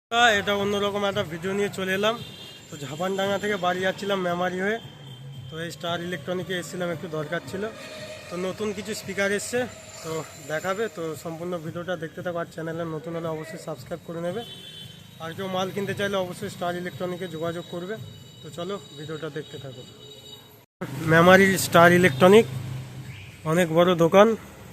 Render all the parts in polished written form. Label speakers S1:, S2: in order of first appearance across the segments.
S1: এটা অন্যরকম একটা ভিডিও নিয়ে চলে এলাম। তো ঝাপানডাঙ্গা থেকে বাড়ি যাচ্ছিলাম মেমারি হয়ে। তো এই স্টার ইলেকট্রনিকে এসেছিলাম, একটু দরকার ছিল। তো নতুন কিছু স্পিকার এসছে, তো দেখাবে। তো সম্পূর্ণ ভিডিওটা দেখতে থাকো। আর চ্যানেলে নতুন হলে অবশ্যই সাবস্ক্রাইব করে নেবে। আর কেউ মাল কিনতে চাইলে অবশ্যই স্টার ইলেকট্রনিকে যোগাযোগ করবে। তো চলো ভিডিওটা দেখতে থাকো। মেমারির স্টার ইলেকট্রনিক অনেক বড় দোকান।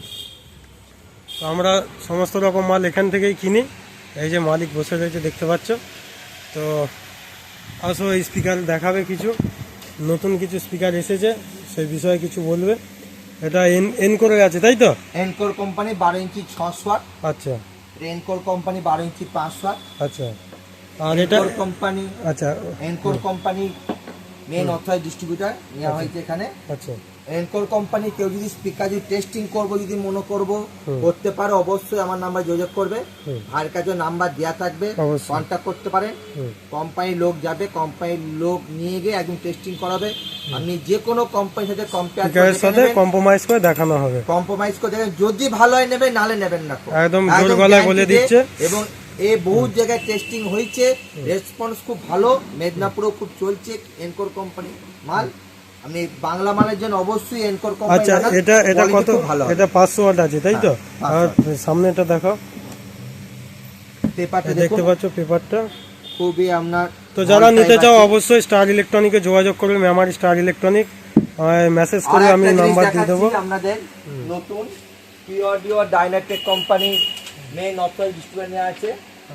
S1: তো আমরা সমস্ত রকম মাল এখান থেকেই কিনি। এই যে মালিক বসে রয়েছে, দেখতে পাচ্ছ। তো আসো, এই স্পিকার দেখাবে, কিছু নতুন কিছু স্পিকার এসেছে সেই বিষয়ে কিছু বলবে। এটা এনকোরে আছে, তাই তো?
S2: Encore company 12 inch 600 watt.
S1: আচ্ছা।
S2: Encore company 12 inch 500 watt.
S1: আচ্ছা। আর এটা
S2: কোম্পানি,
S1: আচ্ছা,
S2: Encore company main authorise distributor নেওয়া হয়েছে এখানে।
S1: আচ্ছা।
S2: এনকোর কোম্পানি কেউ যদি স্পিকার যদি টেস্টিং করবো যদি মনে করবো করতে পারে, অবশ্যই আমার নাম্বার যোগাযোগ করবে। ভাইয়ের কাছে নাম্বার দেওয়া থাকবে, কন্ট্যাক্ট করতে পারেন। কোম্পানির লোক যাবে, কোম্পানির লোক নিয়ে গিয়ে একদম টেস্টিং করাবে। আপনি যে কোনো কোম্পানির সাথে
S1: কম্প্রোমাইজ করে দেখানো হবে।
S2: কম্প্রোমাইজ করে দেখেন, যদি ভালো হয় নেবে, নালে নেবেন না।
S1: একদম জোর গলায় বলে দিচ্ছে।
S2: এবং বহু জায়গায় টেস্টিং হয়েছে, রেসপন্স খুব ভালো। মেদিনীপুরেও খুব চলছে এনকোর কোম্পানি মাল। আমি বাংলা মালের জন্য অবশ্যই এনকোর কোম্পানি।
S1: আচ্ছা, এটা কত? এটা 500 ওয়াট আছে, তাই তো? আর সামনেটা দেখাও,
S2: পেপারটা
S1: দেখতে পাচ্ছ পেপারটা
S2: খুবই আপনার।
S1: তো যারা নিতে চাও অবশ্যই স্টার ইলেকট্রনিকে যোগাযোগ করবে। মেমারি স্টার ইলেকট্রনিক মেসেজ করে আমি নাম্বার দিয়ে দেবো।
S2: আপনাদের নতুন পিওডিও Dynatech company main authorise distributor আছে।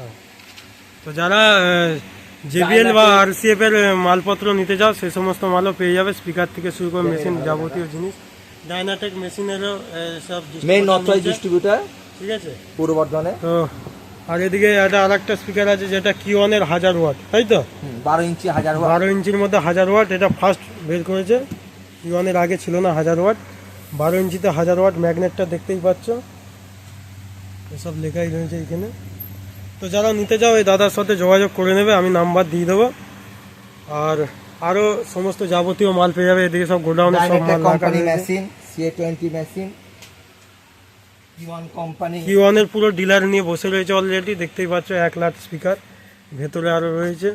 S1: তো যারা জেবিএল বা আরসিএফ এর মালপত্র নিতে যাও সেই সমস্ত মালও পেয়ে যাবে, স্পিকার থেকে শুরু করে মেশিন, যাবতীয় জিনিস। ডাইনাটেক মেশিনেরও সব
S2: মেন অথরাইজ ডিস্ট্রিবিউটর,
S1: ঠিক আছে,
S2: পূর্ব বর্ধমানে।
S1: তো আর এদিকে একটা আরেকটা স্পিকার আছে যেটা কিওয়ানের 1000 ওয়াট, তাই তো?
S2: 12 ইঞ্চি 1000 ওয়াট।
S1: 12 ইঞ্চির মধ্যে 1000 ওয়াট, এটা ফার্স্ট বের করেছে। কিওয়ানের আগে ছিল না 1000 ওয়াট। 12 ইঞ্চিতে 1000 ওয়াট। ম্যাগনেটটা দেখতেই পাচ্ছ, এসব লেখাই রয়েছে এখানে। তো যারা নিতে যাও এই দাদার সাথে যোগাযোগ করে নেবে, আমি নাম্বার দিয়ে দেবো। আর আরও সমস্ত যাবতীয় মাল পেয়ে যাবে। এদিকে সব গোডাউনে সব মাল রাখা
S2: মেশিন, CA20 মেশিন,
S1: কিওয়ানের পুরো ডিলার নিয়ে বসে রয়েছে অলরেডি, দেখতেই পাচ্ছ। 1 লাখ স্পিকার, ভেতরে আরও রয়েছে।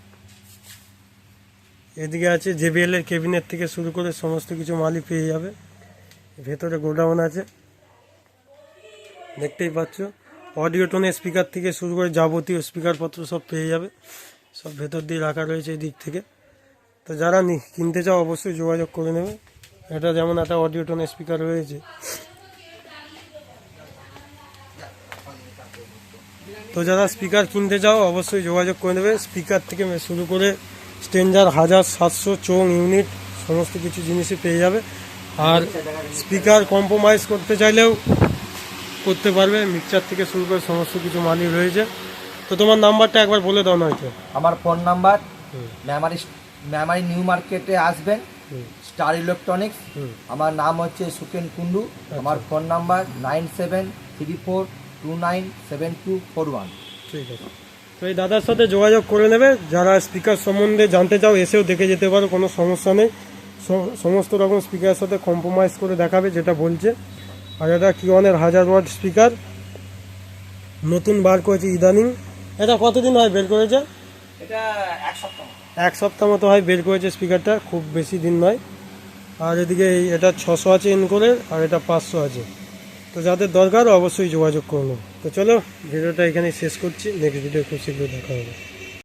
S1: এদিকে আছে জেবিএল এর কেবিনেট থেকে শুরু করে সমস্ত কিছু মালই পেয়ে যাবে। ভেতরে গোডাউন আছে, দেখতেই পাচ্ছ। অডিও টোনের স্পিকার থেকে শুরু করে যাবতীয় স্পিকারপত্র সব পেয়ে যাবে, সব ভেতর দিয়ে রাখা রয়েছে এই দিক থেকে। তো যারা কিনতে চাও অবশ্যই যোগাযোগ করে নেবে। এটা যেমন একটা অডিও টোনের স্পিকার রয়েছে। তো যারা স্পিকার কিনতে চাও অবশ্যই যোগাযোগ করে নেবে। স্পিকার থেকে শুরু করে স্ট্রেঞ্জার 1700 চোং ইউনিট সমস্ত কিছু জিনিসই পেয়ে যাবে। আর স্পিকার কম্প্রোমাইজ করতে চাইলেও করতে পারবে। মিক্সচার থেকে শুরু করে সমস্ত কিছু মালই রয়েছে। তো তোমার নাম্বারটা একবার বলে দাও না হয়তো।
S2: আমার ফোন নাম্বার, মেমারি নিউ মার্কেটে আসবেন, স্টার ইলেকট্রনিক্স। আমার নাম হচ্ছে সুকেন কুন্ডু। আমার ফোন নাম্বার 9734297241।
S1: ঠিক আছে। তো এই দাদার সাথে যোগাযোগ করে নেবে। যারা স্পিকার সম্বন্ধে জানতে চাও এসেও দেখে যেতে পারো, কোনো সমস্যা নেই। সমস্ত রকম স্পিকারের সাথে কম্প্রোমাইজ করে দেখাবে যেটা বলছে। আর এটা কিওয়ানের 1000 ওয়াট স্পিকার, নতুন বার করেছে ইদানিং। এটা কতদিন হয় বের করেছে?
S2: এটা 1 সপ্তাহ।
S1: 1 সপ্তাহ মতো হয় বের করেছে স্পিকারটা, খুব বেশি দিন নয়। আর এদিকে এটা 600 আছে এনকোরের, আর এটা 500 আছে। তো যাদের দরকার অবশ্যই যোগাযোগ করুন। তো চলো ভিডিওটা এখানে শেষ করছি, নেক্সট ভিডিও খুব শীঘ্রই দেখা হবে।